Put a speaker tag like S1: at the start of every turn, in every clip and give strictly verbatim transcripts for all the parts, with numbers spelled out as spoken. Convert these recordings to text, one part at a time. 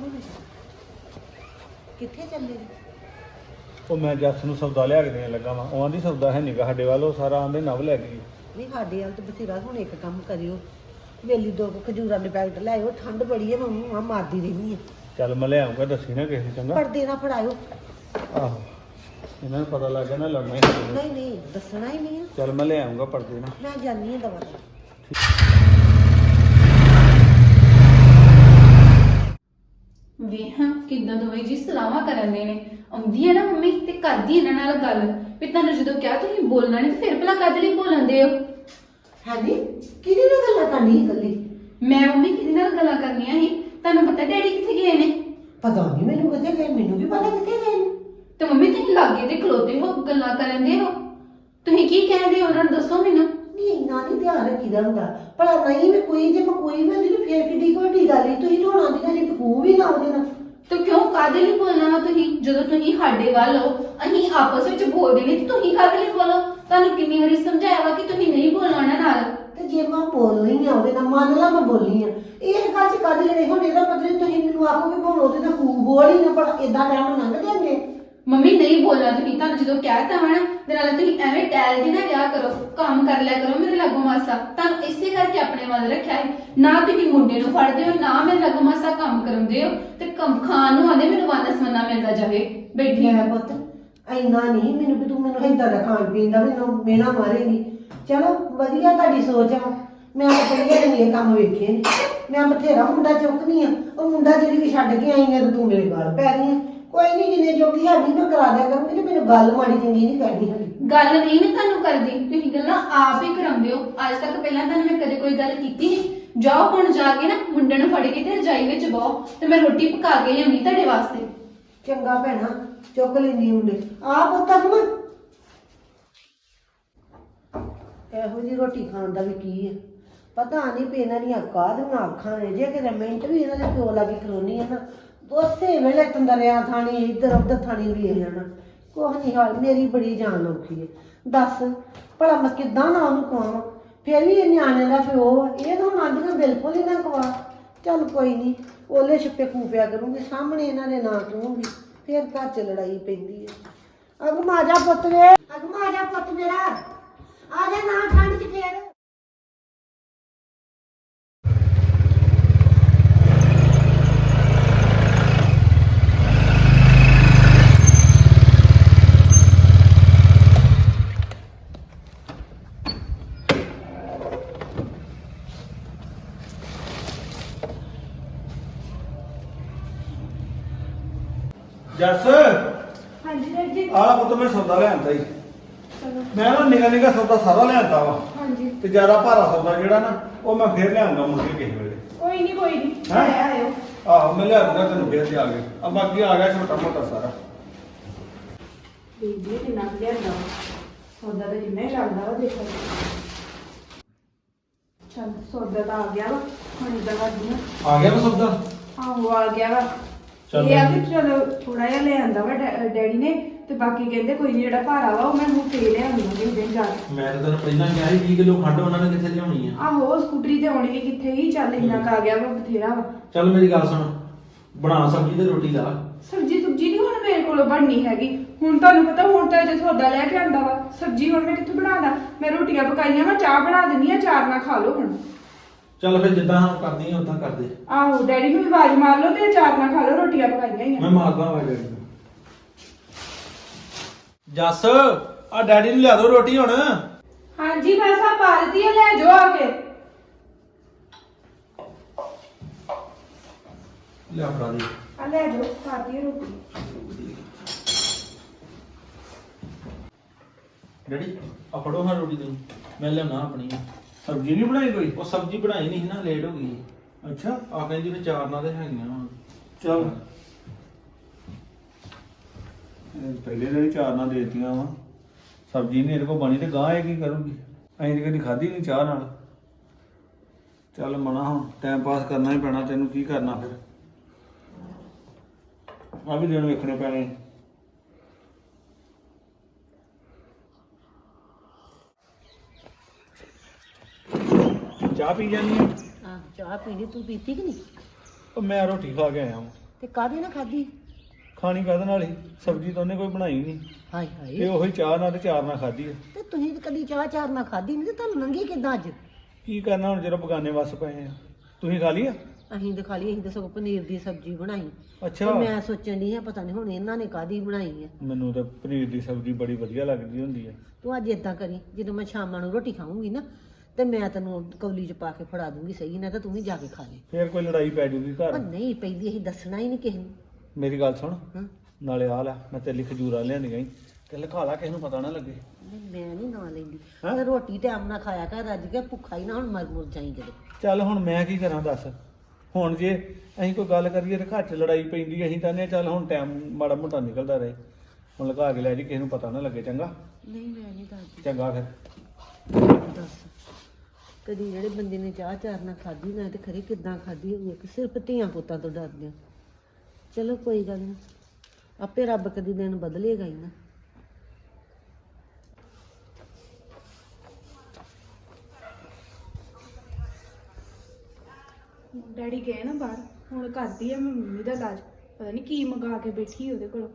S1: ਹੋਣੀ ਕਿੱਥੇ ਚੱਲੇ ਜੀ?
S2: ਉਹ ਮੈਂ ਜੱਸ ਨੂੰ ਸੌਦਾ ਲਿਆ ਕੇ ਦੇਣ ਲੱਗਾ ਵਾਂ। ਉਹ ਆਂਦੀ ਸੌਦਾ ਹੈ ਨੀਗਾ ਸਾਡੇ ਵੱਲ, ਉਹ ਸਾਰਾ ਆਂਦੇ ਨਵ ਲੈ ਗਈ।
S1: ਨਹੀਂ ਸਾਡੇ ਵੱਲ ਤਾਂ ਬਥੇਰਾ। ਹੁਣ ਇੱਕ ਕੰਮ ਕਰਿਓ, ਵੇਲੀ ਦੋ ਕੁ ਖਜੂਰਾਂ ਦੇ ਪੈਕਟ ਲੈ ਆਇਓ। ਠੰਡ ਬੜੀ ਹੈ, ਮੈਂ ਮੂੰਹਾਂ ਮਾਰਦੀ ਰਹਿੰਦੀ ਆ।
S2: ਚੱਲ ਮੈਂ ਲੈ ਆਉਂਗਾ, ਦੱਸੀ ਨਾ ਕਿਸੇ ਨੂੰ, ਚੰਗਾ?
S1: ਪਰਦੇ ਨਾ ਫੜਾਇਓ।
S2: ਆਹੋ, ਇਹਨਾਂ ਨੂੰ ਪਤਾ ਲੱਗ ਗਿਆ ਨਾ ਲੜਨਾ ਹੀ ਨਹੀਂ।
S1: ਨਹੀਂ ਨਹੀਂ ਦੱਸਣਾ ਹੀ ਨਹੀਂ ਆ।
S2: ਚੱਲ ਮੈਂ ਲੈ ਆਉਂਗਾ ਪਰਦੇ ਨਾਲ।
S1: ਮੈਂ ਜਾਣੀ ਆ ਦਵਾ।
S3: ਵੇਹਾਂ ਕਿੱਦਾਂ ਦੋਵੇਂ ਜੀ ਸਲਾਹਾਂ ਕਰਨ ਦੇ ਨੇ। ਆਉਂਦੀ ਹੈ ਨਾ ਮੰਮੀ ਤੇ ਕਰਦੀ ਇਹਨਾਂ ਨਾਲ ਗੱਲ ਵੀ ਤੁਹਾਨੂੰ ਜਦੋਂ ਕਿਹਾ ਤੁਸੀਂ ਬੋਲਣਾ ਨਹੀਂ ਤੇ ਫਿਰ ਭਲਾ ਕਾਹਦੇ ਲਈ ਬੋਲਣਦੇ ਹੋ?
S1: ਹਾਂਜੀ ਕਿਹਦੀ ਨਾਲ ਗੱਲਾਂ ਕਰਨੀ ਇਕੱਲੀ?
S3: ਮੈਂ ਮੰਮੀ ਕਿਹਦੇ ਨਾਲ ਗੱਲਾਂ ਕਰਨੀਆਂ ਸੀ? ਤੁਹਾਨੂੰ ਪਤਾ ਡੈਡੀ ਕਿੱਥੇ ਗਏ ਨੇ?
S1: ਪਤਾ ਨਹੀਂ ਮੈਨੂੰ ਕਿੱਥੇ ਗਏ, ਮੈਨੂੰ ਵੀ ਪਤਾ ਕਿੱਥੇ ਗਏ ਨੇ।
S3: ਤੇ ਮੰਮੀ ਤੁਸੀਂ ਲਾਗੇ ਤੇ ਖਲੋਤੇ ਹੋ, ਗੱਲਾਂ ਕਰਨ ਦੇ ਹੋ। ਤੁਸੀਂ ਕੀ ਕਹਿੰਦੇ ਹੋ ਉਹਨਾਂ ਨੂੰ ਦੱਸੋ ਮੈਨੂੰ।
S1: ਨਹੀਂ ਇੰਨਾ ਨਹੀਂ ਧਿਆਨ ਰੱਖੀਦਾ ਹੁੰਦਾ। ਭਲਾ ਨਹੀਂ ਮੈਂ ਕੋਈ ਜੇ ਮੈਂ ਕੋਈ ਵੀ ਹੁੰਦੀ ਤੇ ਫੇਰ ਕਿੱਡੀ ਕੁ ਵੱਡੀ ਗੱਲ ਹੀ। ਤੁਸੀਂ ਤਾਂ ਹੁਣ ਆਂਦੀਆਂ ਜੀ ਖੂਹ ਵੀ ਨਾ ਉਹਦੇ ਨਾਲ।
S3: ਤੇ ਕਿਉਂ ਕਾਹਦੇ ਲਈ ਬੋਲਣਾ ਵਾ ਤੁਸੀਂ? ਜਦੋਂ ਤੁਸੀਂ ਸਾਡੇ ਵੱਲ ਹੋ, ਅਸੀਂ ਆਪਸ ਵਿੱਚ ਬੋਲਦੇ ਨੇ ਤੇ ਤੁਸੀਂ ਕਾਹਦੇ ਲਈ ਬੋਲੋ? ਤੁਹਾਨੂੰ ਕਿੰਨੀ ਵਾਰੀ ਸਮਝਾਇਆ ਵਾ ਕਿ ਤੁਸੀਂ ਨਹੀਂ ਬੋਲਣਾ ਉਹਨਾਂ ਨਾਲ।
S1: ਤੇ ਜੇ ਮੈਂ ਬੋਲ ਰਹੀ ਆ ਉਹਦੇ ਨਾਲ, ਮੰਨ ਲਾ ਮੈਂ ਬੋਲੀ ਆ, ਇਹ ਗੱਲ ਚ ਕਾਹਦੇ ਲਈ? ਹੁਣ ਇਹਦਾ ਮਤਲਬ ਤੁਸੀਂ ਮੈਨੂੰ ਆਖੋ ਕਿ ਹੁਣ ਉਹਦੇ ਨਾਲ ਖੂਹ ਬੋਲ ਹੀ ਨਾ। ਪਰ ਏਦਾਂ ਟਾਈਮ ਲੰਘ ਜਾਂਦੇ।
S3: ਮੰਮੀ ਨਹੀਂ ਬੋਲਣਾ ਤੁਸੀਂ। ਤੁਹਾਨੂੰ ਜਦੋਂ ਕਹਿਤਾ ਵਾ ਨਾ ਤੇ ਨਾਲੇ ਤੁਸੀਂ ਐਵੇਂ ਟੈਲ ਦੀ ਨਾ ਰਿਹਾ ਕਰੋ, ਕੰਮ ਕਰ ਲਿਆ ਕਰੋ ਮੇਰੇ ਲਾਗੋਂ ਮਾਸਾ। ਤੁਹਾਨੂੰ ਇਸੇ ਕਰਕੇ ਆਪਣੇ ਵੱਲ ਰੱਖਿਆ ਹੈ। ਨਾ ਤੁਸੀਂ ਮੁੰਡੇ ਨੂੰ ਫੜਦੇ ਹੋ, ਨਾ ਮੇਰੇ ਲਾਗੋਂ ਮਾਸਾ ਕੰਮ ਕਰਾਉਂਦੇ ਹੋ। ਤੇ ਕੰਮ ਖਾਣ ਨੂੰ ਆਂਦੇ ਮੈਨੂੰ ਵਾਨਸ ਮੰਨਾ ਮਿਲਦਾ ਜਾਵੇ। ਬੈਠੀ
S1: ਮੈਂ ਪੁੱਤ ਇੰਨਾ ਨਹੀਂ ਮੈਨੂੰ ਵੀ ਤੂੰ ਮੈਨੂੰ ਏਦਾਂ ਦਾ ਖਾਣ ਪੀਣ ਦਾ ਮੈਨੂੰ ਮੇਣਾ ਮਾਰੇਗੀ। ਚਲੋ ਵਧੀਆ ਤੁਹਾਡੀ ਸੋਚ ਆ। ਮੈਂ ਪਹਿਲੇ ਦਿਨ ਇਹ ਕੰਮ ਵੇਖੇ ਨੇ। ਮੈਂ ਬਥੇਰਾ ਮੁੰਡਾ ਚੁੱਕਨੀ ਆ। ਉਹ ਮੁੰਡਾ ਜਿਹੜੀ ਵੀ ਛੱਡ ਕੇ ਆਈ ਆ ਤੇ ਤੂੰ ਮੇਰੇ ਗਲ ਪੈ ਗਈ ਆ। ਕੋਈ ਨਹੀਂ ਜਿੰਨੇ ਜੋਗੀ ਹੈਗੀ ਮੈਂ ਕਰਾ ਦਿਆ ਕਰੂੰਗੀ ਤੇ ਮੈਨੂੰ ਗੱਲ ਮਾੜੀ ਚੰਗੀ ਨਹੀਂ ਕਰਨੀ ਹੈਗੀ।
S3: ਗੱਲ ਨਹੀਂ ਮੈਂ ਤੁਹਾਨੂੰ ਕਰਦੀ, ਤੁਸੀਂ ਗੱਲਾਂ ਆਪ ਹੀ ਕਰਾਉਂਦੇ ਹੋ। ਅੱਜ ਤੱਕ ਪਹਿਲਾਂ ਤੁਹਾਨੂੰ ਮੈਂ ਕਦੇ ਕੋਈ ਗੱਲ ਕੀਤੀ ਨਹੀਂ। ਜਾਓ ਹੁਣ ਜਾ ਕੇ ਨਾ ਮੁੰਡੇ ਨੂੰ ਫੜ ਕੇ ਤੇ ਰਜਾਈ ਵਿੱਚ ਬਹੁ ਤੇ ਮੈਂ ਰੋਟੀ ਪਕਾ ਕੇ ਲਿਆਉਣੀ ਤੁਹਾਡੇ ਵਾਸਤੇ।
S1: ਚੰਗਾ ਭੈਣਾ ਚੁੱਕ ਲੈਂਦੀ ਮੁੰਡੇ ਆ ਪੁੱਤ ਮੈਂ ਇਹੋ ਜਿਹੀ ਰੋਟੀ ਖਾਣ ਦਾ ਵੀ ਕੀ ਹੈ ਪਤਾ ਨਹੀਂ ਪਈ। ਇਹਨਾਂ ਦੀਆਂ ਕਾਹਦੀਆਂ ਅੱਖਾਂ ਨੇ। ਜੇ ਕਿਤੇ ਮਿੰਟ ਵੀ ਇਹਨਾਂ ਦੇ ਪਿਓ ਲਾਗੇ ਖਲੋਣੀ ਹੈ ਨਾ, ਉਸੇ ਵੇਲੇ ਤੰਦਰਿਆ ਥਾਣੀ ਇੱਧਰ ਉੱਧਰ ਥਾਣੀ ਵੀ ਜਾਣਾ। ਕੁਛ ਨਹੀਂ ਹਾਲ, ਮੇਰੀ ਬੜੀ ਜਾਨ ਔਖੀ ਹੈ। ਦੱਸ ਭਲਾ ਮੈਂ ਕਿੱਦਾਂ ਨਾ ਉਹਨੂੰ ਕਵਾਂ? ਫਿਰ ਵੀ ਇਹ ਨਿਆਣੇ ਦਾ ਪਿਓ ਆ, ਇਹ ਤਾਂ ਹੁਣ ਆਂਦੀਆਂ ਬਿਲਕੁਲ ਹੀ ਨਾ ਕਵਾ। ਚੱਲ ਕੋਈ ਨਹੀਂ, ਉਹਲੇ ਛਿੱਪੇ ਖੂਪਿਆ ਕਰੂੰਗੀ ਸਾਹਮਣੇ ਇਹਨਾਂ ਦੇ ਨਾਂ ਕਹੂੰਗੀ। ਫਿਰ ਘਰ 'ਚ ਲੜਾਈ ਪੈਂਦੀ ਹੈ। ਅਗਮਾ ਜਾ ਪੁੱਤ ਵੇ, ਅਗਮਾ ਜਾ ਪੁੱਤ ਮੇਰਾ, ਆ ਜਾ ਨਾ ਠੰਡ 'ਚ ਫੇਰ।
S2: ਜੱਸ
S3: ਹਾਂਜੀ ਡੈਡੀ ਜੀ।
S2: ਆਹ ਪੁੱਤ ਮੈਂ ਸੌਦਾ ਲਿਆਂਦਾ ਹੀ।
S3: ਚਲੋ।
S2: ਮੈਂ ਨਾ ਨਿਗਾ ਨਿਗਾ ਸੌਦਾ ਸਾਰਾ ਲਿਆਂਦਾ ਵਾ।
S3: ਹਾਂਜੀ
S2: ਤੇ ਜ਼ਿਆਦਾ ਭਾਰਾ ਸੌਦਾ ਜਿਹੜਾ ਨਾ ਉਹ ਮੈਂ ਫੇਰ ਲਿਆਉਂਗਾ ਮੁੜ ਕੇ ਕਿਸੇ ਵੇਲੇ।
S3: ਕੋਈ ਨਹੀਂ ਕੋਈ ਨਹੀਂ
S2: ਹੈਂ?
S3: ਆਇਓ।
S2: ਆਹੋ ਮੈਂ ਲਿਆ ਦੂੰਗਾ ਤੈਨੂੰ ਫੇਰ ਤੇ ਆ ਗਏ। ਆ ਬਾਕੀ ਆ ਗਿਆ ਛੋਟਾ ਮੋਟਾ ਸਾਰਾ।
S3: ਬੀਬੀ ਕਿੰਨਾ ਲਿਆਂਦਾ ਸੌਦਾ ਤਾਂ ਕਿੰਨਾ ਹੀ ਲੱਗਦਾ ਵਾ। ਦੇਖੋ ਚੱਲ ਸੌਦਾ ਤਾਂ ਆ ਗਿਆ ਵਾ। ਹੁਣ ਇਦਾਂ ਕਰਦੀ ਆ।
S2: ਆ ਗਿਆ ਵਾ ਸੌਦਾ?
S3: ਆਹੋ ਆ ਗਿਆ ਵਾ।
S2: ਚੱਲ
S3: ਇਹ ਆ ਕਿ ਚਲੋ ਥੋੜਾ ਜਿਹਾ ਲੈ ਆਂਦਾ ਵਾ ਡੈ- ਡੈਡੀ ਨੇ ਤੇ ਬਾਕੀ ਕਹਿੰਦੇ ਕੋਈ ਨਹੀਂ ਜਿਹੜਾ ਭਾਰਾ ਵਾ ਉਹ ਮੈਂ ਹੁਣ ਫੇਰ ਲਿਆਉਂਗਾ ਕਿਸੇ ਦਿਨ ਜਾ ਕੇ।
S4: ਮੈਂ ਤਾਂ ਤੈਨੂੰ ਪਹਿਲਾਂ ਕਿਹਾ ਸੀ ਵੀਹ ਕਿਲੋ ਖੰਡ ਉਹਨਾਂ ਨੇ ਕਿੱਥੇ ਲਿਆਉਣੀ ਆ।
S3: ਆਹੋ ਸਕੂਟਰੀ ਤੇ ਆਉਣੀ ਵੀ ਕਿੱਥੇ ਹੀ। ਚੱਲ ਇੰਨਾ ਕੁ ਆ ਗਿਆ ਵਾ ਬਥੇਰਾ ਵਾ।
S4: ਚੱਲ ਮੇਰੀ ਗੱਲ ਸੁਣ, ਬਣਾ ਸਬਜ਼ੀ ਤੇ ਰੋਟੀ ਲਾ।
S3: ਸਬਜੀ ਸੁਬਜੀ ਨਹੀਂ ਹੁਣ ਮੇਰੇ ਕੋਲੋਂ ਬਣਨੀ ਹੈਗੀ। ਹੁਣ ਤੁਹਾਨੂੰ ਪਤਾ ਹੁਣ ਤਾਂ ਜੇ ਸੌਦਾ ਲੈ ਕੇ ਆਂਦਾ ਵਾ। ਸਬਜੀ ਹੁਣ ਮੈਂ ਕਿੱਥੋਂ ਬਣਾਦਾ? ਮੈਂ ਰੋਟੀਆਂ ਪਕਾਈਆਂ ਵਾ, ਚਾਹ ਬਣਾ ਦਿੰਨੀ ਆ, ਚਾਰ ਨਾਲ ਖਾ ਲਓ ਹੁਣ।
S4: ਚੱਲ ਫਿਰ ਜਿੱਦਾਂ ਹਾਂ ਕਰਦੀ ਆ ਉਦਾਂ ਕਰਦੇ।
S3: ਆਹੋ ਡੈਡੀ ਨੂੰ ਵੀ ਆਵਾਜ਼ ਮਾਰ ਲਓ ਤੇ ਚਾਰ ਨਾਲ ਖਾ ਲਓ, ਰੋਟੀਆਂ ਪਕਾਈਆਂ ਹੀ
S4: ਮੈਂ
S3: ਆ।
S4: ਮਾਰਦਾ ਵਾ ਡੈਡੀ ਨੂੰ। ਜੱਸ ਆ ਡੈਡੀ ਨੂੰ ਲਿਆ ਦੋ ਰੋਟੀ ਹੁਣ।
S3: ਹਾਂਜੀ ਬਸ ਆ ਪਾ ਦਿੱਤੀ ਆ, ਲੈ ਜਾਓ ਆ ਕੇ।
S4: ਲਿਆ ਫੜਾ ਦੇ।
S3: ਆ ਲੈ ਜਾਓ ਖਾਤੀ ਰੋਟੀ।
S4: ਡੈਡੀ ਆ ਫੜੋ ਹਾਂ ਰੋਟੀ ਤੈਨੂੰ, ਮੈਂ ਲਿਆਉਣਾ ਆਪਣੀ।
S2: ਸਬਜ਼ੀ ਨਹੀਂ ਬਣਾਈ ਕੋਈ?
S4: ਉਹ ਸਬਜ਼ੀ ਬਣਾਈ ਨਹੀਂ ਸੀ ਨਾ, ਲੇਟ ਹੋ ਗਈ।
S2: ਅੱਛਾ
S4: ਆ ਕਹਿੰਦੀ ਵੀ ਚਾਰ ਨਾਲ ਤੇ ਹੈਗੀਆਂ ਵਾ।
S2: ਚਲ ਪਹਿਲੇ ਦਿਨ ਹੀ ਚਾਰ ਨਾਲ ਦੇ ਦਿੱਤੀਆਂ ਵਾ। ਸਬਜ਼ੀ ਨਹੀਂ ਇਹਦੇ ਕੋਲ ਬਣੀ ਤੇ ਗਾਂ ਇਹ ਕੀ ਕਰੂਗੀ? ਅਸੀਂ ਤੇ ਕਦੀ ਖਾਧੀ ਨਹੀਂ ਚਾਹ ਨਾਲ। ਚੱਲ ਮਨਾ ਹੁਣ ਟਾਈਮ ਪਾਸ ਕਰਨਾ ਹੀ ਪੈਣਾ। ਤੈਨੂੰ ਕੀ ਕਰਨਾ ਫਿਰ? ਆ ਵੀ ਦਿਨ ਵੇਖਣੇ ਪੈਣੇ। ਚਾਹ ਪੀ ਜਾਨੀ ਆ?
S1: ਹਾਂ ਚਾਹ ਪੀ ਲਈ, ਤੂੰ ਪੀਤੀ ਕਿ ਨਹੀਂ?
S2: ਉਹ ਮੈਂ ਰੋਟੀ ਖਾ ਕੇ ਆਇਆ ਹਾਂ।
S1: ਤੇ ਕਾਹਦੀ ਨਾ ਖਾਧੀ?
S2: ਖਾਣੀ ਕਾਹਦੇ ਨਾਲ ਹੀ, ਸਬਜ਼ੀ ਤਾਂ ਉਹਨੇ ਕੋਈ ਬਣਾਈ ਨਹੀਂ,
S1: ਹਾਏ
S2: ਤੇ
S1: ਹਾਏ,
S2: ਉਹੀ ਚਾਹ ਨਾਲ ਤੇ ਚਾਰ ਨਾਲ ਖਾਧੀ ਆ।
S1: ਤੇ ਤੁਸੀਂ ਤਾਂ ਕਦੀ ਚਾਹ ਚਾਰ ਨਾ ਖਾਧੀ ਨਹੀਂ, ਤੇ ਤੁਹਾਨੂੰ ਲੰਗੀ ਕਿੱਦਾਂ ਅੱਜ?
S2: ਕੀ ਕਰਨਾ ਹੁਣ ਜਦੋਂ ਬਗਾਨੇ ਵੱਸ ਪਏ ਆ। ਤੁਸੀਂ ਖਾ ਲਈ ਆ?
S1: ਅਸੀਂ ਤਾਂ ਖਾ ਲਈ, ਅਸੀਂ ਤਾਂ ਸਗੋਂ ਪਨੀਰ ਦੀ ਸਬਜ਼ੀ ਬਣਾਈ। ਤੇ
S2: ਅੱਛਾ,
S1: ਮੈਂ ਸੋਚਣ ਦੀ ਆ ਪਤਾ ਨਹੀਂ ਹੁਣ ਇਹਨਾਂ ਨੇ ਕਾਹਦੀ ਬਣਾਈ ਆ।
S2: ਮੈਨੂੰ ਤਾਂ ਪਨੀਰ ਦੀ ਸਬਜ਼ੀ ਬੜੀ ਵਧੀਆ ਲੱਗਦੀ ਹੁੰਦੀ ਆ।
S1: ਤੂੰ ਅੱਜ ਏਦਾਂ ਕਰੀ, ਜਦੋਂ ਮੈਂ ਸ਼ਾਮਾਂ ਨੂੰ ਰੋਟੀ ਖਾਊਂਗੀ ਨਾ, ਤੇ ਮੈਂ ਤੈਨੂੰ ਕੌਲੀ 'ਚ ਪਾ ਕੇ ਫੜਾ ਦੂੰਗੀ, ਸਹੀ ਨਾ, ਤਾਂ ਤੂੰ ਵੀ ਜਾ ਕੇ ਖਾ ਲੈ।
S2: ਫੇਰ ਕੋਈ ਲੜਾਈ ਪੈ ਜੂਗੀ
S1: ਉਹ
S2: ਘਰ।
S1: ਨਹੀਂ ਪੈਂਦੀ, ਅਸੀਂ ਦੱਸਣਾ ਹੀ ਨਹੀਂ ਕਿਸੇ ਨੂੰ।
S2: ਮੇਰੀ ਗੱਲ ਸੁਣ,
S1: ਹਾਂ,
S2: ਨਾਲੇ ਆ ਲੈ, ਮੈਂ ਤੇਰੇ ਲਈ ਖਜੂਰਾਂ ਲਿਆਂਦੀਆਂ ਈ, ਤੇ ਲਿਖਾ ਲਾ, ਕਿਸੇ ਨੂੰ ਪਤਾ ਨਾ ਲੱਗੇ।
S1: ਨਹੀਂ ਮੈਂ ਨਹੀਂ ਨਾ ਲੈਂਦੀ।
S2: ਹੈਂ?
S1: ਤੇ ਰੋਟੀ ਟਾਈਮ ਨਾਲ ਖਾਇਆ ਕਰ, ਰੱਜ ਕੇ ਭੁੱਖਾ ਹੀ ਨਾ ਹੁਣ ਮਰ ਮੁਰ ਜਾਈ ਕਿਤੇ।
S2: ਚੱਲ ਹੁਣ ਮੈਂ ਕੀ ਕਰਾਂ ਦੱਸ। ਹੁਣ ਜੇ ਅਸੀਂ ਕੋਈ ਗੱਲ ਕਰੀਏ ਤੇ ਘਰ 'ਚ ਲੜਾਈ ਪੈਂਦੀ, ਅਸੀਂ ਤਾਂ ਨੇ ਚੱਲ ਹੁਣ ਟਾਈਮ ਮਾੜਾ ਮੋਟਾ ਨਿਕਲਦਾ ਰਹੇ, ਹੁਣ ਲਗਾ ਕੇ ਲੈ ਜੀ, ਕਿਸੇ ਨੂੰ ਪਤਾ ਨਾ ਲੱਗੇ। ਚੰਗਾ
S1: ਨਹੀਂ ਮੈਂ ਨਹੀਂ ਦੱਸਦੀ।
S2: ਚੰਗਾ ਫਿਰ।
S1: ਦੱਸ, ਕਦੀ ਜਿਹੜੇ ਬੰਦੇ ਨੇ ਚਾਹ ਚਾਰ ਨਾਲ ਖਾਧੀ ਨਾ, ਤੇ ਖਰੇ ਕਿੱਦਾਂ ਖਾਧੀ ਹੋਊਗੀ, ਕਿ ਸਿਰਫ ਧੀਆਂ ਪੁੱਤਾਂ ਤੋਂ ਡਰਦੇ ਆ। ਚਲੋ ਕੋਈ ਗੱਲ ਨਹੀਂ, ਆਪੇ ਰੱਬ ਕਦੀ ਦਿਨ ਬਦਲੇਗਾ ਹੀ ਨਾ।
S5: ਡੈਡੀ ਗਏ ਨਾ ਬਾਹਰ, ਹੁਣ ਕਰਦੀ ਆ ਮੈਂ ਮੰਮੀ ਦਾ ਇਲਾਜ। ਪਤਾ ਨਹੀਂ ਕੀ ਮੰਗਾ ਕੇ ਬੈਠੀ ਉਹਦੇ ਕੋਲੋਂ।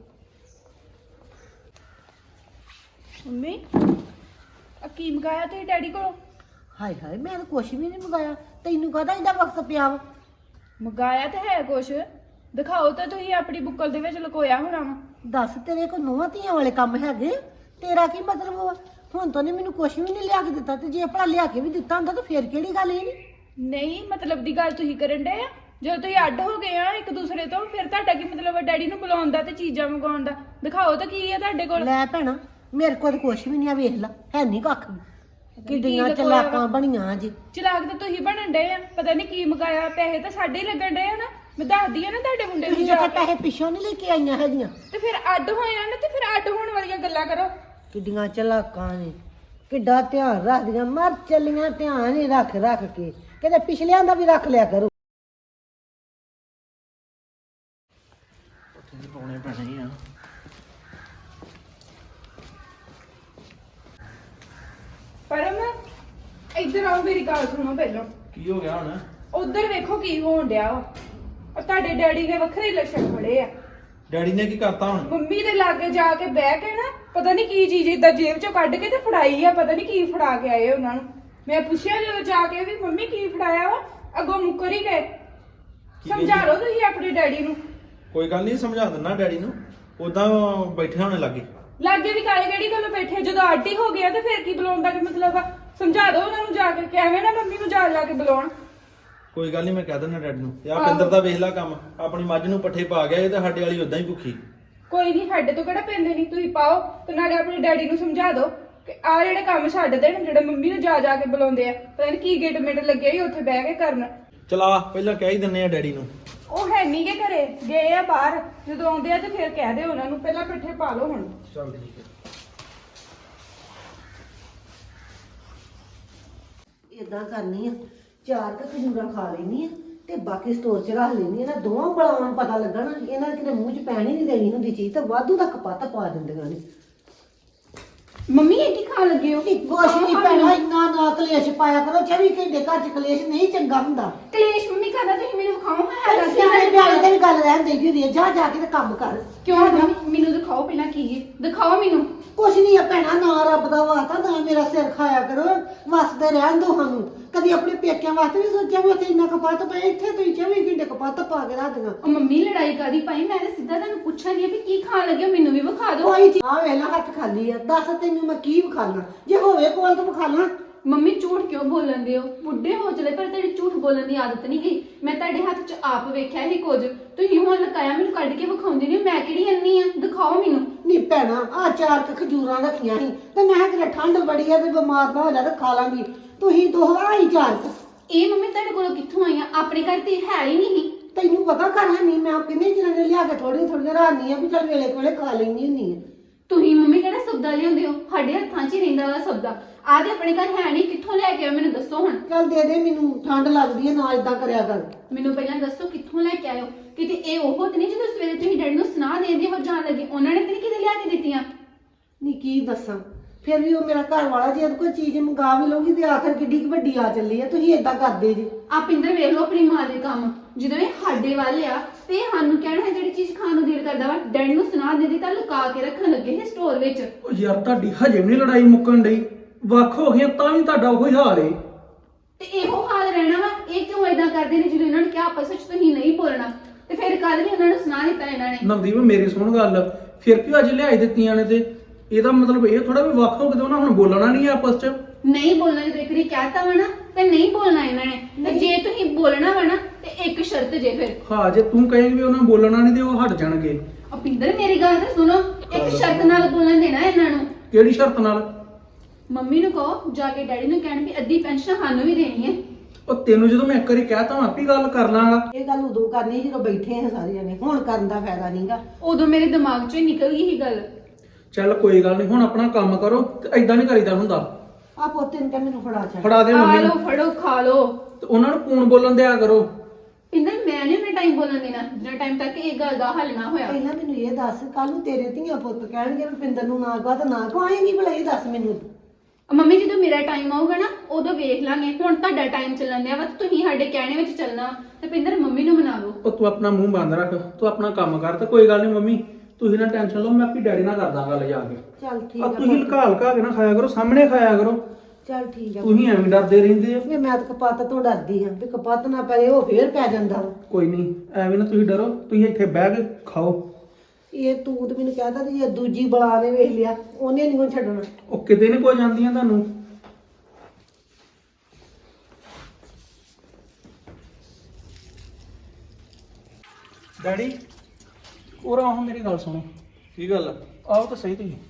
S5: ਮੰਮੀ ਆ ਕੀ ਮੰਗਾਇਆ ਤੁਸੀਂ ਡੈਡੀ ਕੋਲੋਂ?
S1: ਹਾਏ ਹਾਏ, ਮੈਂ ਤਾਂ ਕੁਛ ਵੀ ਨਹੀਂ ਮੰਗਾਇਆ, ਤੈਨੂੰ ਕਾਹਦਾ ਇਹਦਾ ਵਕਤ ਪਿਆ ਵਾ?
S5: ਮੰਗਾਇਆ ਤਾਂ ਹੈ ਕੁਛ, ਦਿਖਾਓ ਤਾਂ ਤੁਸੀਂ ਆਪਣੀ ਬੁੱਕਲ ਦੇ ਵਿੱਚ ਲੁਕੋਇਆ ਹੋਣਾ ਵਾ।
S1: ਦੱਸ, ਤੇਰੇ ਕੋਲ ਨੂੰਹਾਂ ਧੀਆਂ ਵਾਲੇ ਕੰਮ ਹੈਗੇ? ਤੇਰਾ ਕੀ ਮਤਲਬ ਵਾ? ਹੁਣ ਤਾਂ ਨੇ ਮੈਨੂੰ ਕੁਛ ਵੀ ਨਹੀਂ ਲਿਆ ਕੇ ਦਿੱਤਾ, ਤੇ ਜੇ ਭਲਾ ਲਿਆ ਕੇ ਵੀ ਦਿੱਤਾ ਹੁੰਦਾ ਤਾਂ ਫੇਰ ਕਿਹੜੀ ਗੱਲ ਇਹ ਨਹੀਂ।
S5: ਨਹੀਂ ਮਤਲਬ ਦੀ ਗੱਲ ਤੁਸੀਂ ਕਰਨ ਡਏ ਆ? ਜਦੋਂ ਤੁਸੀਂ ਅੱਡ ਹੋ ਗਏ ਆ ਇੱਕ ਦੂਸਰੇ ਤੋਂ, ਫਿਰ ਤੁਹਾਡਾ ਕੀ ਮਤਲਬ ਆ ਡੈਡੀ ਨੂੰ ਬੁਲਾਉਣ ਦਾ ਤੇ ਚੀਜ਼ਾਂ ਮੰਗਾਉਣ ਦਾ? ਦਿਖਾਓ ਤਾਂ ਕੀ ਆ ਤੁਹਾਡੇ ਕੋਲ।
S1: ਲੈ ਭੈਣਾ, ਮੇਰੇ ਕੋਲ ਤਾਂ ਕੁਛ ਵੀ ਨਹੀਂ ਆ, ਵੇਖ ਲੈ, ਹੈ ਨਹੀਂ ਕੱਖ ਵੀ। ਕਿੱਡੀਆਂ
S5: ਕੀ
S1: ਚਲਾਕਾਂ ਬਣੀਆਂ ਜੀ।
S5: ਚਲਾਕ ਤਾਂ ਤੁਸੀਂ ਬਣਨ ਡਏ ਆ, ਪਤਾ ਨਹੀਂ ਕੀ ਮੰਗਾਇਆ। ਪੈਸੇ ਤਾਂ ਸਾਡੇ ਹੀ ਲੱਗਣ ਡਏ ਆ ਨਾ, ਮੈਂ ਦੱਸਦੀ ਆ ਨਾ ਤੁਹਾਡੇ ਮੁੰਡੇ ਨੂੰ
S1: ਤੁਸੀਂ
S5: ਜਾ
S1: ਤਾਂ
S5: ਕੇ।
S1: ਪੈਸੇ ਪਿੱਛੋਂ ਨਹੀਂ ਲੈ ਕੇ ਆਈਆਂ ਹੈਗੀਆਂ।
S5: ਤੇ ਫਿਰ ਅੱਡ ਹੋਏ ਆ ਨਾ, ਤੇ ਫਿਰ ਅੱਡ ਹੋਣ ਵਾਲੀਆਂ ਗੱਲਾਂ ਕਰੋ।
S1: ਕਿੱਡੀਆਂ ਚਲਾਕਾਂ ਨੇ, ਕਿੱਡਾ ਧਿਆਨ ਰੱਖਦੀਆਂ, ਮਰ ਚੱਲੀਆਂ ਧਿਆਨ ਹੀ ਰੱਖ ਰੱਖ ਕੇ, ਕਿਤੇ ਪਿਛਲਿਆਂ ਦਾ ਵੀ ਰੱਖ ਲਿਆ ਕਰੋ।
S4: ਪਾਉਣੇ ਪੈਣੇ ਆ।
S5: ਪਰਮ ਇੱਧਰ ਆਓ, ਮੇਰੀ ਗੱਲ ਸੁਣੋ ਪਹਿਲਾਂ।
S4: ਕੀ ਹੋ ਗਿਆ ਹੁਣ?
S5: ਉਧਰ ਵੇਖੋ ਕੀ ਹੋਣ ਡਿਆ ਵਾ। ਉਹ ਤੁਹਾਡੇ ਡੈਡੀ ਨੇ ਵੱਖਰੇ ਲੱਛਣ ਫੜੇ ਆ।
S4: ਡੈਡੀ ਨੇ ਕੀ ਕਰਤਾ ਹੁਣ?
S5: ਮੰਮੀ ਦੇ ਲਾਗੇ ਜਾ ਕੇ ਬਹਿ ਕੇ ਨਾ, ਪਤਾ ਨਹੀਂ ਕੀ ਚੀਜ਼ ਏਦਾਂ ਜੇਬ ਚੋਂ ਕੱਢ ਕੇ ਤੇ ਫੜਾਈ ਆ। ਪਤਾ ਨਹੀਂ ਕੀ ਫੜਾ ਕੇ ਆਏ ਉਹਨਾਂ ਨੂੰ। ਮੈਂ ਪੁੱਛਿਆ ਜਦੋਂ ਜਾ ਕੇ ਵੀ ਮੰਮੀ ਕੀ ਫੜਾਇਆ ਵਾ, ਅੱਗੋਂ ਮੁੱਕਰ ਹੀ ਗਏ। ਸਮਝਾ ਲਓ ਤੁਸੀਂ ਆਪਣੇ ਡੈਡੀ ਨੂੰ।
S4: ਕੋਈ ਗੱਲ ਨਹੀਂ, ਸਮਝਾ ਦਿੰਦਾ ਡੈਡੀ ਨੂੰ। ਉਦਾਂ ਬੈਠੇ ਹੋਣੇ ਲੱਗੇ।
S5: ਲਾਗੇ ਵੀ ਕਾਲੇ ਕਿਹੜੀ ਗੱਲੋਂ ਬੈਠੇ? ਜਦੋਂ ਆਡੀ ਹੋ ਗਿਆ ਤੇ ਫਿਰ ਕੀ ਬੁਲਾਉਣ ਦਾ ਕੀ ਮਤਲਬ ਆ? ਸਮਝਾ ਦਿਓ ਉਹਨਾਂ ਨੂੰ ਜਾ ਕੇ ਕਿ ਐਵੇਂ ਨਾ ਮੰਮੀ ਨੂੰ ਜਾ ਜਾ ਕੇ ਬੁਲਾਉਣ।
S4: ਕੋਈ ਗੱਲ ਨਹੀਂ, ਮੈਂ ਕਹਿ ਦਿੰਦਾ ਡੈਡੀ ਨੂੰ। ਯਾਰ ਪਿੰਦਰ ਦਾ ਵੇਖ ਲੈ ਕੰਮ, ਆਪਣੀ ਮੱਝ ਨੂੰ ਪੱਠੇ ਪਾ ਗਿਆ, ਇਹ ਤਾਂ ਸਾਡੇ ਵਾਲੀ ਉਦਾਂ ਹੀ ਭੁੱਖੀ।
S5: ਕੋਈ ਨਹੀਂ, ਸਾਡੇ ਤੋਂ ਕਿਹੜਾ ਪੈਂਦੇ ਨਹੀਂ, ਤੁਸੀਂ ਪਾਓ। ਤੇ ਨਾਲੇ ਆਪਣੇ ਡੈਡੀ ਨੂੰ ਸਮਝਾ ਦਿਓ ਕਿ ਆ ਜਿਹੜੇ ਕੰਮ ਛੱਡ ਦੇਣ, ਜਿਹੜੇ ਮੰਮੀ ਨੂੰ ਜਾ ਜਾ ਕੇ ਬੁਲਾਉਂਦੇ ਆ। ਪਤਾ ਨਹੀਂ ਕੀ ਗਿੱਟ ਮਿੱਟ ਲੱਗੇ ਹੀ ਉੱਥੇ ਬਹਿ ਕੇ ਕਰਨ।
S4: ਚਲਾ ਪਹਿਲਾਂ ਕਹਿ ਹੀ ਦਿੰਨੇ ਆ ਡੈਡੀ ਨੂੰ।
S5: ਉਹ ਹੈ ਨਹੀਂ ਗੇ ਘਰੇ, ਗਏ ਆ ਬਾਹਰ। ਜਦੋਂ ਆਉਂਦੇ ਆ ਤੇ ਫਿਰ ਕਹਿ ਦਿਓ ਉਹਨਾਂ ਨੂੰ, ਪਹਿਲਾਂ ਪੱਠੇ ਪਾ ਲਓ ਹੁਣ।
S4: ਚੱਲ ਠੀਕ ਹੈ।
S1: ਇਦਾਂ ਕਰਨੀ ਆ, ਚਾਰ ਕੁ ਖਜੂਰਾਂ ਖਾ ਲੈਣੀ ਆ, ਤੇ ਬਾਕੀ ਸਟੋਰ 'ਚ ਰੱਖ ਲੈਣੀ ਆ ਨਾ। ਦੋਵਾਂ ਬਲਾਵਾਂ ਨੂੰ ਪਤਾ ਲੱਗਣਾ, ਇਹਨਾਂ ਨੇ ਕਿਤੇ ਮੂੰਹ 'ਚ ਪੈਣੀ ਨਹੀਂ ਦੇਣੀ ਹੁੰਦੀ ਚੀਜ਼, ਤੇ ਵਾਧੂ ਦਾ ਕਪੱਤ ਪਾ ਦਿੰਦੀਆਂ ਨੇ।
S3: ਮੰਮੀ ਇਹ ਕੀ ਖਾਣ ਲੱਗੇ ਹੋ?
S1: ਕੁਛ ਨਹੀਂ ਪੈਣਾ, ਇੰਨਾ ਨਾ ਕਲੇਸ਼ ਪਾਇਆ ਕਰੋ। ਚੌਵੀ ਘੰਟੇ ਘਰ 'ਚ ਕਲੇਸ਼ ਨਹੀਂ ਚੰਗਾ ਹੁੰਦਾ।
S3: ਕਲੇਸ਼ ਮੰਮੀ ਕਰਦਾ, ਤੁਸੀਂ ਮੈਨੂੰ ਵਿਖਾਓ ਹਾਂ।
S1: ਸਿਆਣੇ ਬਿਆਣੇ ਤੇ ਵੀ ਗੱਲ ਰਹਿਣ ਦੇਈ ਹੁੰਦੀ ਹੈ। ਜਾ ਜਾ ਕੇ ਤੇ ਕੰਮ ਕਰ।
S3: ਕਿਉਂ ਮੰਮੀ? ਮੈਨੂੰ ਦਿਖਾਓ ਪਹਿਲਾਂ ਕੀ ਹੈ, ਦਿਖਾਓ ਮੈਨੂੰ।
S1: ਕੁਛ ਨਹੀਂ ਆ ਭੈਣਾ, ਨਾ ਰੱਬ ਦਾ ਵਾਸਤਾ, ਨਾ ਮੇਰਾ ਸਿਰ ਖਾਇਆ ਕਰੋ। ਵਸਦੇ ਰਹਿਣ ਦੋ ਸਾਨੂੰ। ਕਦੀ ਆਪਣੇ ਪੇਕਿਆਂ ਵਾਸਤੇ ਵੀ ਸੋਚਿਆ ਵੀ ਉੱਥੇ ਇੰਨਾ ਕਪੱਤ ਪਿਆ, ਇੱਥੇ ਤੁਸੀਂ ਚੌਵੀ ਘੰਟੇ ਕਪੱਤ ਪਾ ਕੇ ਰੱਖ ਦਿਆਂ।
S3: ਉਹ ਮੰਮੀ ਲੜਾਈ ਕਾਦੀ ਪਾਈ? ਮੈਂ ਤਾਂ ਸਿੱਧਾ ਤੁਹਾਨੂੰ ਪੁੱਛਣ ਦੀ ਆ ਵੀ ਕੀ ਖਾਣ ਲੱਗੇ ਹੋ, ਮੈਨੂੰ ਵੀ ਵਿਖਾ ਦਿਓ।
S1: ਕੋਈ ਚੀਜ਼ ਆ ਵੇਲਾ ਹੱਥ ਖਾਲੀ ਆ, ਦੱਸ ਤੈਨੂੰ ਮੈਂ ਕੀ ਵਿਖਾਣਾ? ਜੇ ਹੋਵੇ ਕੋਲ ਤਾਂ ਵਿਖਾਣਾ।
S3: ਮੰਮੀ ਝੂਠ ਕਿਉਂ ਬੋਲਣ ਦੇ ਹੋ? ਬੁੱਢੇ ਹੋ ਚਲੇ ਪਰ ਤੇਰੀ ਝੂਠ ਬੋਲਣ ਦੀ ਆਦਤ ਨਹੀਂ ਗਈ। ਮੈਂ ਤੁਹਾਡੇ ਹੱਥ 'ਚ ਆਪ ਵੇਖਿਆ ਹੀ ਕੁਝ, ਤੁਸੀਂ ਹੁਣ ਲਕਾਇਆ ਮੈਨੂੰ ਕੱਢ ਕੇ ਵਿਖਾਉਂਦੇ ਨਹੀਂ। ਮੈਂ ਕਿਹੜੀ ਅੰਨੀ ਆ? ਦਿਖਾਓ ਮੈਨੂੰ।
S1: ਨਹੀਂ ਭੈਣਾ, ਆ ਚਾਰ ਕੁ ਖਜੂਰਾਂ ਰੱਖੀਆਂ ਸੀ, ਤੇ ਮੈਂ ਕਿਹਾ ਠੰਡ ਬੜੀ ਆ ਤੇ ਬਿਮਾਰ ਨਾ ਹੋ ਜਾ, ਤੇ ਖਾ ਲਾਂਗੀ। ਤੁਸੀਂ ਦੋ ਆਈ ਚਾਰ ਕੁ।
S3: ਇਹ ਮੰਮੀ ਤੁਹਾਡੇ ਕੋਲੋਂ ਕਿੱਥੋਂ ਆਈਆਂ? ਆਪਣੇ ਘਰ ਤੇ ਹੈ ਹੀ ਨਹੀਂ।
S1: ਤੈਨੂੰ ਪਤਾ ਕਰ ਹੈ ਨਹੀਂ, ਮੈਂ ਕਿੰਨੇ ਚਿਰਾਂ ਦੇ ਲਿਆ ਕੇ ਥੋੜੀ ਥੋੜੀ ਰਾਣੀ ਆ ਵੀ ਚੱਲ ਵੇਲੇ ਕੋਲੇ ਖਾ ਲੈਣੀ ਹੁੰਦੀ ਆ।
S3: ਤੁਸੀਂ ਮੰਮੀ ਕਿਹੜਾ ਸਬਦਾ ਲਿਆਉਂਦੇ ਹੋ? ਸਾਡੇ ਹੱਥਾਂ 'ਚ ਹੀ ਰਹਿੰਦਾ ਵਾ ਸਬਦਾ। ਆਦੇ ਆਪਣੇ ਘਰ ਹੈ ਨਹੀਂ, ਕਿੱਥੋਂ ਲੈ ਕੇ ਆਏ ਮੈਨੂੰ ਦੱਸੋ ਹੁਣ।
S1: ਚੱਲ ਦੇ ਦੇ, ਮੈਨੂੰ ਠੰਡ ਲੱਗਦੀ ਹੈ, ਨਾ ਇਦਾਂ ਕਰਿਆ ਕਰ।
S3: ਮੈਨੂੰ ਪਹਿਲਾਂ ਦੱਸੋ ਕਿੱਥੋਂ ਲੈ ਕੇ ਆਇਓ? ਕਿਤੇ ਇਹ ਉਹ ਤੇ ਨਹੀਂ ਜਦੋਂ ਸਵੇਰੇ ਤੁਸੀਂ ਡੈਡੀ ਨੂੰ ਸੁਣਾ ਦੇਂਦੇ ਹੋ ਜਾਣ ਲੱਗੇ, ਉਹਨਾਂ ਨੇ ਤੇ ਨਹੀਂ ਕਿਤੇ ਲਿਆ ਕੇ ਦਿੱਤੀਆਂ?
S1: ਨਹੀਂ ਕੀ ਦੱਸਾਂ, ਫਿਰ ਵੀ ਉਹ ਮੇਰਾ ਘਰ ਵਾਲਾ ਜੇ ਕੋਈ ਚੀਜ਼ ਮੰਗਾ ਵੀ ਲਊਗੀ ਤੇ ਆਖਰ ਕਿੱਡੀ ਕੁ ਵੱਡੀ ਆ ਚੱਲੀ ਆ, ਤੁਸੀਂ ਏਦਾਂ ਕਰਦੇ ਜੀ।
S3: ਆ ਪਿੰਦਰ ਵੇਖ ਲਓ ਆਪਣੀ ਮਾਂ ਦੇ ਕੰਮ, ਜਦੋਂ ਇਹ ਸਾਡੇ ਵੱਲ ਆ ਤੇ ਇਹ ਸਾਨੂੰ ਕਹਿਣਾ ਹੈ ਜਿਹੜੀ ਚੀਜ਼ ਖਾਣ ਨੂੰ ਦਿਲ ਕਰਦਾ ਵਾ ਡੈਡੀ ਨੂੰ ਸੁਣਾ ਦਿੰਦੀ ਤਾਂ ਲੁਕਾ ਕੇ ਰੱਖਣ ਲੱਗੇ ਹੈ ਸਟੋਰ ਵਿੱਚ।
S6: ਉਹ ਯਾਰ ਤੁਹਾਡੀ ਹਜੇ ਵੀ ਨੀ ਲੜਾਈ ਮੁੱਕਣ ਡਈ, ਵੱਖ ਹੋ ਗਈਆਂ ਤਾਂ ਵੀ ਤੁਹਾਡਾ ਉਹੀ ਹਾਲ ਏ।
S3: ਤੇ ਇਹੋ ਹਾਲ ਰਹਿਣਾ ਵਾ। ਇਹ ਕਿਉਂ ਏਦਾਂ ਕਰਦੇ ਨੇ ਜਦੋਂ ਇਹਨਾਂ ਨੇ ਕਿਹਾ ਆਪਸ ਵਿੱਚ ਤੁਸੀਂ ਨਹੀਂ ਬੋਲਣਾ, ਤੇ ਫਿਰ ਕੱਲ ਵੀ ਉਹਨਾਂ ਨੂੰ ਸੁਣਾ ਦਿੱਤਾ ਇਹਨਾਂ ਨੇ।
S6: ਨਵਦੀਪ ਮੇਰੀ ਸੁਣ ਗੱਲ, ਫਿਰ ਕਿਉਂ ਅੱਜ ਲਿਆਈ ਦਿੱਤੀਆਂ ਨੇ? ਤੇ ਇਹਦਾ ਮਤਲਬ ਇਹ ਥੋੜਾ ਵੀ ਵੱਖ ਹੋ ਕੇ ਤੇ ਉਹਨਾਂ ਹੁਣ ਬੋਲਣਾ ਨਹੀਂ ਆਪਸ ਚ।
S3: ਨਹੀਂ ਬੋਲਣਾ ਜਦੋਂ ਇੱਕ ਵਾਰੀ ਕਹਿਤਾ ਵਾ ਨਾ ਤੇ ਨਹੀਂ ਬੋਲਣਾ ਇਹਨਾਂ ਨੇ। ਤੇ ਜੇ ਤੁਸੀਂ ਬੋਲਣਾ ਵਾ ਨਾ ਤੇ ਇੱਕ ਸ਼ਰਤ ਜੇ ਫਿਰ।
S6: ਹਾਂ ਜੇ ਤੂੰ ਕਹੇਂਗੀ ਵੀ ਉਹਨਾਂ ਬੋਲਣਾ ਨਹੀਂ ਤੇ ਉਹ ਹਟ ਜਾਣਗੇ।
S3: ਅਪਿੰਦਰ ਮੇਰੀ ਗੱਲ ਤਾਂ ਸੁਣੋ, ਇੱਕ ਸ਼ਰਤ ਨਾਲ ਬੋਲਣ ਦੇਣਾ ਇਹਨਾਂ ਨੂੰ।
S6: ਕਿਹੜੀ ਸ਼ਰਤ ਨਾਲ?
S3: ਮੰਮੀ ਨੂੰ ਕਹੋ ਜਾ ਕੇ ਡੈਡੀ ਨੂੰ ਕਹਿਣ ਵੀ ਅੱਧੀ ਪੈਨਸ਼ਨ ਸਾਨੂੰ ਵੀ ਦੇਣੀ ਹੈ।
S6: ਉਹ ਤੈਨੂੰ ਜਦੋਂ ਮੈਂ ਇੱਕ ਵਾਰੀ ਕਹਿਤਾ ਮੈਂ ਆਪੀ ਗੱਲ ਕਰ ਲਾਂਗਾ।
S1: ਇਹ ਗੱਲ ਉਦੋਂ ਕਰਨੀ ਜਦੋਂ ਬੈਠੇ ਆ ਸਾਰੇ ਜਣੇ, ਹੁਣ ਕਰਨ ਦਾ ਫਾਇਦਾ ਨਹੀਂਗਾ।
S3: ਉਦੋਂ ਮੇਰੇ ਦਿਮਾਗ 'ਚੋਂ ਹੀ ਨਿਕਲ ਗਈ ਸੀ ਗੱਲ।
S6: ਚੱਲ ਕੋਈ ਗੱਲ ਨਹੀਂ, ਹੁਣ ਆਪਣਾ ਕੰਮ ਕਰੋ ਤੇ ਐਦਾਂ ਨਹੀਂ ਕਰੀਦਾ ਹੁੰਦਾ।
S1: ਆ ਪੋਤੇ ਨੂੰ ਕਹਿ ਮੈਨੂੰ ਫੜਾ ਚੱਲ।
S6: ਫੜਾ ਦੇ
S3: ਖਾ
S6: ਮੰਮੀ
S3: ਲਓ
S6: ਨੂੰ
S3: ਫੜੋ ਖਾ ਲਓ।
S6: ਤੇ ਉਹਨਾਂ ਨੂੰ ਕੂਣ ਬੋਲਣ ਦਿਆ ਕਰੋ।
S3: ਪਿੰਦਰ ਮੈਂ ਨਹੀਂ ਉਹਨਾਂ ਟਾਈਮ ਬੋਲਣ ਦੇਣਾ ਜਿੰਨਾ ਟਾਈਮ ਤੱਕ ਇਹ ਗੱਲ ਦਾ ਹੱਲ ਨਾ ਹੋਇਆ।
S1: ਪਹਿਲਾਂ ਮੈਨੂੰ ਇਹ ਦੱਸ, ਕੱਲ ਨੂੰ ਤੇਰੇ ਧੀਆਂ ਪੁੱਤ ਕਹਿਣਗੇ ਰੁਪਿੰਦਰ ਨੂੰ ਨਾ ਕਹਾ ਤਾਂ ਨਾ ਕਹਾਏਂਗੀ, ਭਲਾ ਇਹ ਦੱਸ ਮੈਨੂੰ।
S3: ਮੰਮੀ ਜਦੋਂ ਮੇਰਾ ਟਾਈਮ ਆਊਗਾ ਨਾ ਉਦੋਂ ਵੇਖ ਲਾਂਗੇ। ਹੁਣ ਤੁਹਾਡਾ ਟਾਈਮ ਚੱਲਣ ਦਿਆ ਵਾ ਤੇ ਤੁਸੀਂ ਸਾਡੇ ਕਹਿਣੇ ਵਿੱਚ ਚੱਲਣਾ ਤੇ ਪਿੰਦਰ ਮੰਮੀ ਨੂੰ ਮਨਾ ਲਓ।
S6: ਉਹ ਤੂੰ ਆਪਣਾ ਮੂੰਹ ਬੰਦ ਰੱਖ, ਤੂੰ ਆਪਣਾ ਕੰਮ ਕਰ। ਤੇ ਕੋਈ ਗੱਲ ਨਹੀਂ ਮੰਮੀ, ਤੁਸੀਂ ਨਾ ਟੈਨਸ਼ਨ ਲਓ, ਮੈਂ ਆਪੀ ਡੈਡੀ ਨਾਲ ਕਰਦਾ ਗੱਲ ਜਾ ਕੇ।
S1: ਚੱਲ ਠੀਕ
S6: ਆ
S1: ਆ
S6: ਤੁਸੀਂ ਲੁਕਾ ਲੁਕਾ ਕੇ ਨਾ ਖਾਇਆ ਕਰੋ, ਸਾਹਮਣੇ ਖਾਇਆ ਕਰੋ।
S1: ਚੱਲ ਠੀਕ ਆ।
S6: ਤੁਸੀਂ ਐਵੇਂ ਡਰਦੇ ਰਹਿੰਦੇ ਆ।
S1: ਵੀ ਮੈਂ ਤਾਂ ਕਪੱਤ ਤੋਂ ਡਰਦੀ ਹਾਂ ਵੀ ਕਪੱਤ ਨਾ ਪਏ ਉਹ ਫੇਰ ਪੈ ਜਾਂਦਾ ਵਾ।
S6: ਕੋਈ ਨਹੀਂ ਐਵੇਂ ਨਾ ਤੁਸੀਂ ਡਰੋ, ਤੁਸੀਂ ਇੱਥੇ ਬਹਿ ਕੇ ਖਾਓ।
S1: ਇਹ ਤੂੰ ਤੇ ਮੈਨੂੰ ਕਹਿਦਾ ਤੇ ਜੇ ਦੂਜੀ ਬਲਾ ਨੇ ਵੇਖ ਲਿਆ ਉਹਨੇ ਨਹੀਂ ਛੱਡਣਾ।
S6: ਉਹ ਕਿਤੇ ਨਹੀਂ ਕੋਈ ਜਾਂਦੀਆਂ ਤੁਹਾਨੂੰ। ਡੈਡੀ ਉਹ ਆਹ ਮੇਰੀ ਗੱਲ ਸੁਣੋ।
S2: ਕੀ ਗੱਲ ਆ?
S6: ਆਓ ਤਾਂ ਸਹੀ ਤੁਸੀਂ।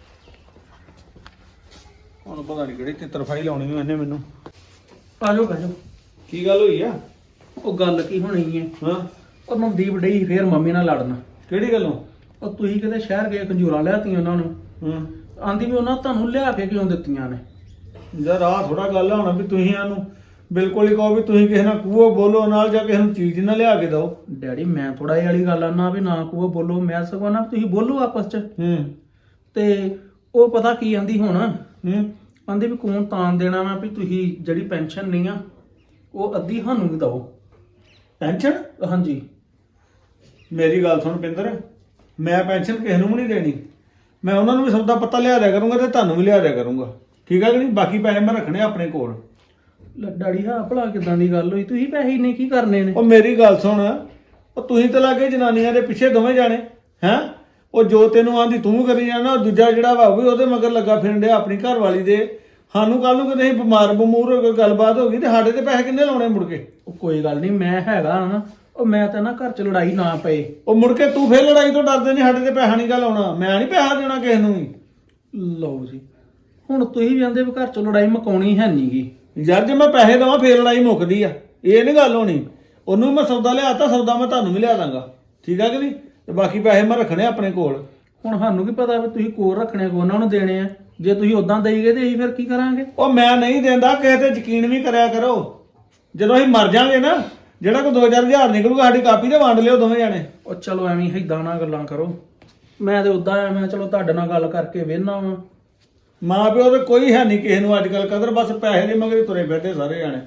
S2: ਹੁਣ ਪਤਾ ਨਹੀਂ ਕਿਹੜੀ ਤਿੱਤਰਫਾਈ ਲਾਉਣੀ ਇਹਨੇ ਮੈਨੂੰ।
S6: ਆ ਜਾਓ ਬਹਿ ਜਾਓ।
S2: ਕੀ ਗੱਲ ਹੋਈ ਆ?
S6: ਉਹ ਗੱਲ ਕੀ ਹੋਣੀ ਹੈ?
S2: ਹਾਂ
S6: ਉਹ ਨਵਦੀਪ ਡਈ ਫੇਰ ਮੰਮੀ ਨਾਲ ਲੜਨ।
S2: ਕਿਹੜੀ ਗੱਲੋਂ?
S6: ਉਹ ਤੁਸੀਂ ਕਿਤੇ ਸ਼ਹਿਰ ਗਏ ਖੰਜੂਰਾਂ ਲਿਆਤੀਆਂ ਉਹਨਾਂ ਨੂੰ।
S2: ਹਾਂ
S6: ਆਂਦੀ ਵੀ ਉਹਨਾਂ ਤੁਹਾਨੂੰ ਲਿਆ ਕੇ ਕਿਉਂ ਦਿੱਤੀਆਂ ਨੇ?
S2: ਯਾਰ ਆਹ ਥੋੜਾ ਗੱਲ ਹੋਣਾ ਵੀ ਤੁਸੀਂ ਇਹਨੂੰ ਬਿਲਕੁਲ ਹੀ ਕਹੋ ਵੀ ਤੁਸੀਂ ਕਿਸੇ ਨਾਲ ਕੂਹੋ ਬੋਲੋ ਨਾਲ ਜਾਂ ਕਿਸੇ ਨੂੰ ਚੀਜ਼ ਨਾ ਲਿਆ ਕੇ ਦਿਓ।
S6: ਡੈਡੀ ਮੈਂ ਥੋੜਾ ਇਹ ਵਾਲੀ ਗੱਲ ਆਨਾ ਵੀ ਨਾ ਕੋ ਬੋਲੋ, ਮੈਂ ਸਗੋਂ ਨਾ ਤੁਸੀਂ ਬੋਲੋ ਆਪਸ ਚ।
S2: ਹੂੰ
S6: ਤੇ ਉਹ ਪਤਾ ਕੀ ਆਂਦੀ ਹੁਣ,
S2: ਹੂੰ
S6: ਆਂਦੀ ਵੀ ਕੌਣ ਤਾਂ ਦੇਣਾ ਵਾ ਵੀ ਤੁਸੀਂ ਜਿਹੜੀ ਪੈਨਸ਼ਨ ਨਹੀਂ ਆ ਉਹ ਅੱਧੀ ਸਾਨੂੰ ਵੀ ਦਿਓ।
S2: ਪੈਨਸ਼ਨ?
S6: ਹਾਂਜੀ।
S2: ਮੇਰੀ ਗੱਲ ਸੁਣ ਪਿੰਦਰ, ਮੈਂ ਪੈਨਸ਼ਨ ਕਿਸੇ ਨੂੰ ਵੀ ਨਹੀਂ ਦੇਣੀ। ਮੈਂ ਉਹਨਾਂ ਨੂੰ ਵੀ ਸੌਦਾ ਪੱਤਾ ਲਿਆ ਦਿਆ ਕਰੂੰਗਾ ਤੇ ਤੁਹਾਨੂੰ ਵੀ ਲਿਆ ਦਿਆ ਕਰੂੰਗਾ, ਠੀਕ ਹੈ ਕਿ ਨਹੀਂ? ਬਾਕੀ ਪੈਸੇ ਮੈਂ ਰੱਖਣੇ ਆਪਣੇ ਕੋਲ।
S6: ਲੈ ਡੈਡੀ ਹਾਂ ਭਲਾ ਕਿਦਾਂ ਦੀ ਗੱਲ ਹੋਈ? ਤੁਸੀਂ ਪੈਸੇ ਇੰਨੇ ਕੀ ਕਰਨੇ ਨੇ?
S2: ਉਹ ਮੇਰੀ ਗੱਲ ਸੁਣ, ਉਹ ਤੁਸੀਂ ਤਾਂ ਲੱਗੇ ਜਨਾਨੀਆਂ ਦੇ ਪਿੱਛੇ ਦੋਵੇਂ ਜਾਣੇ ਹੈਂ। ਉਹ ਜੋ ਤੈਨੂੰ ਆਂਦੀ ਤੂੰ ਕਰੀ ਜਾਣਾ, ਉਹ ਦੂਜਾ ਜਿਹੜਾ ਵਾ ਉਹ ਵੀ ਉਹਦੇ ਮਗਰ ਲੱਗਾ ਫਿਰਨ ਡਿਆ ਆਪਣੀ ਘਰ ਵਾਲੀ ਦੇ। ਸਾਨੂੰ ਕੱਲ ਨੂੰ ਕਿਤੇ ਅਸੀਂ ਬਿਮਾਰ ਬਮੂਰ ਹੋ ਕੇ ਗੱਲਬਾਤ ਹੋ ਗਈ ਤੇ ਸਾਡੇ ਤੇ ਪੈਸੇ ਕਿੰਨੇ ਲਾਉਣੇ ਮੁੜ ਕੇ?
S6: ਉਹ ਕੋਈ ਗੱਲ ਨਹੀਂ, ਮੈਂ ਹੈਗਾ ਨਾ। ਉਹ ਮੈਂ ਤਾਂ ਨਾ ਘਰ ਚ ਲੜਾਈ ਨਾ ਪਏ।
S2: ਉਹ ਮੁੜ ਕੇ ਤੂੰ ਫੇਰ ਲੜਾਈ ਤੋਂ ਡਰਦੇ ਨਹੀਂ, ਸਾਡੇ ਤੇ ਪੈਸਾ ਨਹੀਂ ਗਾ ਲਾਉਣਾ। ਮੈਂ ਨਹੀਂ ਪੈਸਾ ਦੇਣਾ ਕਿਸੇ ਨੂੰ ਵੀ।
S6: ਲਓ ਜੀ, ਹੁਣ ਤੁਸੀਂ ਵੀ ਆਂਦੇ ਵੀ ਘਰ ਚ ਲੜਾਈ ਮਕਾਉਣੀ ਹੈ ਨੀ ਗੀ।
S2: ਯਾਰ ਜੇ ਮੈਂ ਪੈਸੇ ਦੇਵਾਂ ਫੇਰ ਲੜਾਈ ਮੁੱਕਦੀ ਆ, ਇਹ ਨਹੀਂ ਗੱਲ ਹੋਣੀ। ਉਹਨੂੰ ਮੈਂ ਸੌਦਾ ਲਿਆਤਾ, ਸੌਦਾ ਮੈਂ ਤੁਹਾਨੂੰ ਵੀ ਲਿਆ ਦਾਂਗਾ, ਠੀਕ ਆ ਕਿ ਨਹੀਂ? ਤੇ ਬਾਕੀ ਪੈਸੇ ਮੈਂ ਰੱਖਣੇ ਆਪਣੇ ਕੋਲ।
S6: ਹੁਣ ਸਾਨੂੰ ਕੀ ਪਤਾ ਵੀ ਤੁਸੀਂ ਕੋਲ ਰੱਖਣੇ ਕੋ ਉਹਨਾਂ ਨੂੰ ਦੇਣੇ ਆ? ਜੇ ਤੁਸੀਂ ਉਦਾਂ ਦੇਈ ਗਏ ਤੇ ਅਸੀਂ ਫਿਰ ਕੀ ਕਰਾਂਗੇ?
S2: ਉਹ ਮੈਂ ਨਹੀਂ ਦਿੰਦਾ, ਕਿਸੇ ਤੇ ਯਕੀਨ ਵੀ ਕਰਿਆ ਕਰੋ। ਜਦੋਂ ਅਸੀਂ ਮਰ ਜਾਾਂਗੇ ਨਾ, ਜਿਹੜਾ ਕੋਈ ਦੋ ਚਾਰ ਹਜ਼ਾਰ ਨਿਕਲੂਗਾ ਸਾਡੀ ਕਾਪੀ ਤੇ ਵੰਡ ਲਿਓ ਦੋਵੇਂ ਜਾਣੇ।
S6: ਉਹ ਚਲੋ ਐਵੇਂ ਏਦਾਂ ਨਾ ਗੱਲਾਂ ਕਰੋ। ਮੈਂ ਤੇ ਉਦਾਂ ਆ, ਮੈਂ ਚਲੋ ਤੁਹਾਡੇ ਨਾਲ ਗੱਲ ਕਰਕੇ ਵੇਹਨਾ ਵਾਂ।
S2: ਮਾਂ ਪਿਓ ਤੇ ਕੋਈ ਹੈ ਨਹੀਂ ਕਿਸੇ ਨੂੰ ਅੱਜ ਕੱਲ ਕਦਰ, ਬਸ ਪੈਸੇ ਦੇ ਮਗਰ ਹੀ ਤੁਰੇ ਫਿਰਦੇ ਸਾਰੇ ਜਾਣੇ।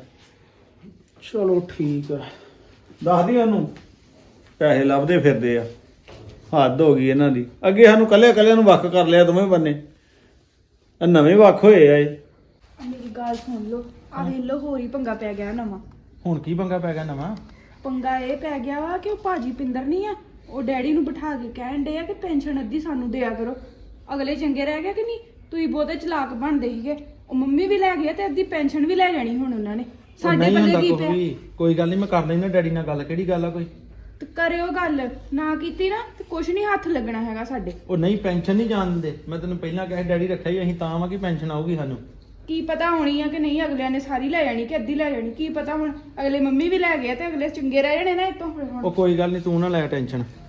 S6: ਚਲੋ ਠੀਕ ਆ।
S2: ਦੱਸਦੀ ਉਹਨੂੰ ਪੈਸੇ ਲੱਭਦੇ ਫਿਰਦੇ ਆ। ਹੱਦ ਹੋ ਗਈ ਇਹਨਾਂ ਦੀ। ਅੱਗੇ ਸਾਨੂੰ ਕੱਲੇ ਕੱਲੇ ਨੂੰ ਵੱਖ ਕਰ ਲਿਆ ਦੋਵੇਂ ਬੰਨੇ, ਇਹ ਨਵੇਂ ਵੱਖ ਹੋਏ ਆ ਇਹ।
S5: ਮੇਰੀ ਗੱਲ ਸੁਣ ਲਓ, ਆ ਵੇਖ ਲਓ ਹੋਰ ਹੀ ਪੰਗਾ ਪੈ ਗਿਆ ਨਵਾਂ।
S4: ਹੁਣ ਕੀ ਪੰਗਾ ਪੈ ਗਿਆ ਨਵਾਂ?
S5: ਪੰਗਾ ਇਹ ਪੈ ਗਿਆ ਵਾ ਕਿ ਉਹ ਭਾਜੀ ਪਿੰਦਰ ਨਹੀਂ ਆ, ਉਹ ਡੈਡੀ ਨੂੰ ਬਿਠਾ ਕੇ ਕਹਿਣ ਡੇ ਆ ਕਿ ਪੈਨਸ਼ਨ ਅੱਧੀ ਸਾਨੂੰ ਦਿਆ ਕਰੋ। ਅਗਲੇ ਚੰਗੇ ਰਹਿ ਗਏ ਕਿ ਨਹੀਂ? ਤੁਸੀਂ ਬਹੁਤੇ ਚਲਾਕ ਬਣਦੇ ਸੀਗੇ। ਉਹ ਮੰਮੀ ਵੀ ਲੈ ਗਏ ਤੇ ਅੱਧੀ ਪੈਨਸ਼ਨ ਵੀ ਲੈ ਜਾਣੀ ਹੁਣ ਉਹਨਾਂ ਨੇ। ਸਾਡੇ ਪੱਲੇ ਕੀ ਪਿਆ?
S4: ਕੋਈ ਗੱਲ ਨਹੀਂ, ਮੈਂ ਕਰ ਲੈਣਾ ਡੈਡੀ ਨਾਲ ਗੱਲ। ਕਿਹੜੀ ਗੱਲ ਆ ਕੋਈ?
S5: ਤੇ ਕਰਿਓ ਗੱਲ, ਨਾ ਕੀਤੀ ਨਾ ਤੇ ਕੁਛ ਨਹੀਂ ਹੱਥ ਲੱਗਣਾ ਹੈਗਾ ਸਾਡੇ।
S4: ਉਹ ਨਹੀਂ, ਪੈਨਸ਼ਨ ਨਹੀਂ ਜਾਣ ਦਿੰਦੇ। ਮੈਂ ਤੈਨੂੰ ਪਹਿਲਾਂ ਕਿਹਾ ਡੈਡੀ ਰੱਖਿਆ ਹੀ ਅਸੀਂ ਤਾਂ ਵਾ ਕਿ ਪੈਨਸ਼ਨ ਆਊਗੀ ਸਾਨੂੰ।
S5: ਕੀ ਪਤਾ ਹੋਣੀ ਆ ਕਿ ਨਹੀਂ, ਅਗਲਿਆਂ ਨੇ ਸਾਰੀ ਲੈ ਜਾਣੀ ਕਿ ਅੱਧੀ ਲੈ ਜਾਣੀ, ਕੀ ਪਤਾ ਹੁਣ। ਅਗਲੇ ਮੰਮੀ ਵੀ ਲੈ ਗਏ ਤੇ ਅਗਲੇ ਚੰਗੇ ਰਹਿ ਜਾਣੇ ਨਾ ਇਤੋਂ ਹੁਣ।
S4: ਉਹ ਕੋਈ ਗੱਲ ਨਹੀਂ, ਤੂੰ ਨਾ ਲੈ ਟੈਨਸ਼ਨ।